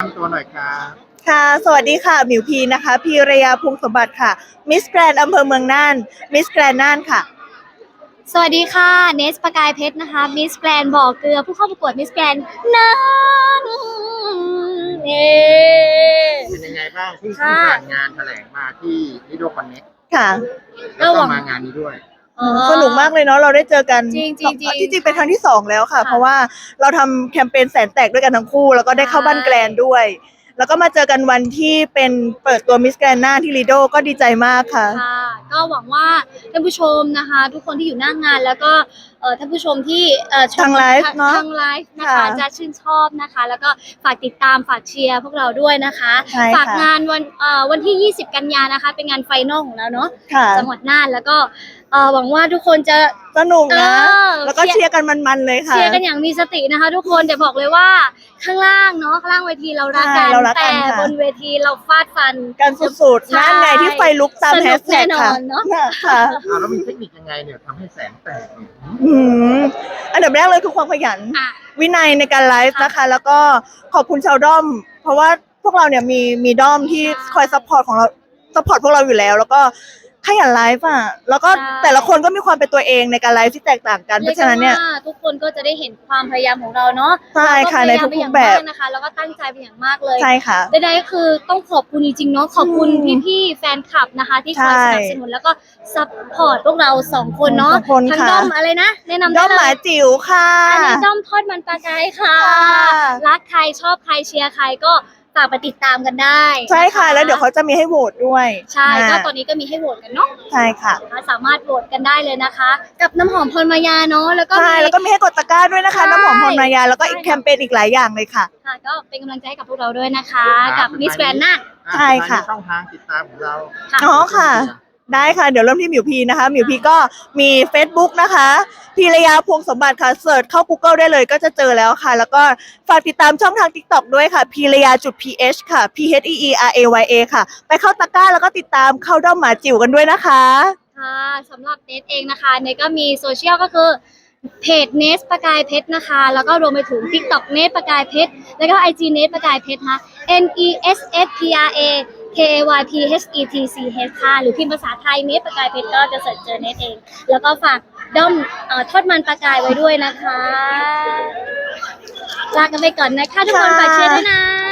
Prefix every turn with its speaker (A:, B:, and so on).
A: ำตัวหน่อยครับ
B: ค่ะสวัสดีค่ะหมิวพีนะคะพีรยาพงศ์สมบัติค่ะมิสแกรนอำเภอเมืองน่านมิสแกรนน่านค่ะ
C: สวัสดีค่ะเนสประกายเพชรนะคะมิสแกรนบ่อเกลือผู้เข้าประกวดมิสแกรนน่านเอ
A: เป็นยังไงบ้างที่ผ่านงานแถลงมาที่ลิโดคอนเน็ก
B: ค่ะ
A: แล้วก็มางานนี้ด้วย
B: สนุกมากเลยเนาะเราได้เจอกัน
C: จริงจริงจริง
B: ที่จริงเป็นครั้งที่2แล้วค่ะเพราะว่าเราทำแคมเปญแสนแตกด้วยกันทั้งคู่แล้วก็ได้เข้าบ้านแกรนด้วยแล้วก็มาเจอกันวันที่เป็นเปิดตัวมิสแกรนน่านที่ลีโดก็ดีใจมากค่ะ
C: ค่ะก็หวังว่าท่านผู้ชมนะคะทุกคนที่อยู่หน้างานแล้วก็ท่านผู้ชมที่ชม
B: ทางไลฟ์เนาะ
C: ทางไลฟ์นะคะจะชื่นชอบนะคะแล้วก็ฝากติดตามฝากเชียร์พวกเราด้วยนะคะฝากงานวันที่20กันยานะคะเป็นงานไฟนอลของเราเนาะจังหวัดน่านแล้วก็หวังว่าทุกคนจะ
B: สนุกนะแล้วก็เชียร์กันมันๆเลยค่ะ
C: เชียร์กันอย่างมีสตินะคะทุกคนแต่บอกเลยว่าข้างล่างเนาะข้างล่างเวทีเรารักกันแต่บนเวทีเราฟาดฟัน
B: กันสุดๆนั่นไงที่ไฟลุกตามแฮชแท็กค่ะ
A: ค่ะแล้วมีเทคนิคยังไงเนี่ยทำให้แสงแตก
B: อันดับแรกเลยคือความขยันวินัยในการไลฟ์นะคะแล้วก็ขอบคุณชาวด้อมเพราะว่าพวกเราเนี่ยมีด้อมที่คอยซัพพอร์ตของเราซัพพอร์ตพวกเราอยู่แล้วแล้วก็ขยันไลฟ์อ่ะแล้วก็แต่ละคนก็มีความเป็นตัวเองในการไลฟ์ที่แตกต่างกันเพราะฉะนั้นเนี่ย
C: ทุกคนก็จะได้เห็นความพยายามของเราเนาะ
B: ใช่ค่ะในทุกๆแบบ
C: นะคะแล้วก็ตั้งใจเป็นอย่างมากเลย
B: ใช่ค่ะ
C: ใดๆก็คือต้องขอบคุณจริงๆเนาะขอบคุณพี่ๆแฟนคลับนะคะที่คอยสนับสนุนแล้วก็ซัพพอร์ตพวกเรา2คนเนาะทั้งด้อมอะไรนะแนะนำ
B: ด้อมหมาจิ๋วค่ะ
C: อันนี้ด้อมทอดมันปลากายค่ะรักใครชอบใครเชียร์ใครก็ฝากไปติดตามกันได้
B: ใช่ค่ะแล้วเดี๋ยวเขาจะมีให้โหวตด้วย
C: ใช่ก็ตอนนี้ก็มีให้โหวตกันเนาะ
B: ใช่ค่ะ
C: สามารถโหวตกันได้เลยนะคะกับน้ำหอมพรมายาเนาะแล้วก็
B: ใช่แล้วก็มีให้กดตะกร้าด้วยนะคะน้ำหอมพรมายาแล้วก็อีกแคมเปญอีกหลายอย่างเลยค่ะ
C: ค่ะก็เป็นกำลังใจให้กับพวกเราด้วยนะคะกับมิสแกรนน่าน
B: ใช่ค่ะ
A: ช่องทางติดตามของเรา
B: อ๋อค่ะได้ค่ะเดี๋ยวเริ่มที่หมิวพีนะคะหมิวพีก็มี Facebook นะคะพีรยาพงศ์สมบัติค่ะเสิร์ชเข้า Google ได้เลยก็จะเจอแล้วค่ะแล้วก็ฝากติดตามช่องทาง TikTok ด้วยค่ะพีรยา.ph ค่ะ PHEERAYA ค่ะไปเข้าตะกร้าแล้วก็ติดตามเข้าด้อมหมาจิ๋วกันด้วยนะคะ
C: ค่ะสำหรับเนทเองนะคะเนทก็มีโซเชียลก็คือเพจเนสประกายเพชรนะคะแล้วก็รวมไปถึง TikTok เนสประกายเพชรแล้วก็ IG เนสประกายเพชรนะคะ NESSPRAKYPHETCH ค่ะหรือพิมพ์ภาษาไทยเนสประกายเพชรก็จะเสิร์ชเจอเนทเองแล้วก็ฝากด้อมทอดมันประกายไว้ด้วยนะคะลากันไปก่อนนะคะทุกคนฝากเชียร์ด้วยนะ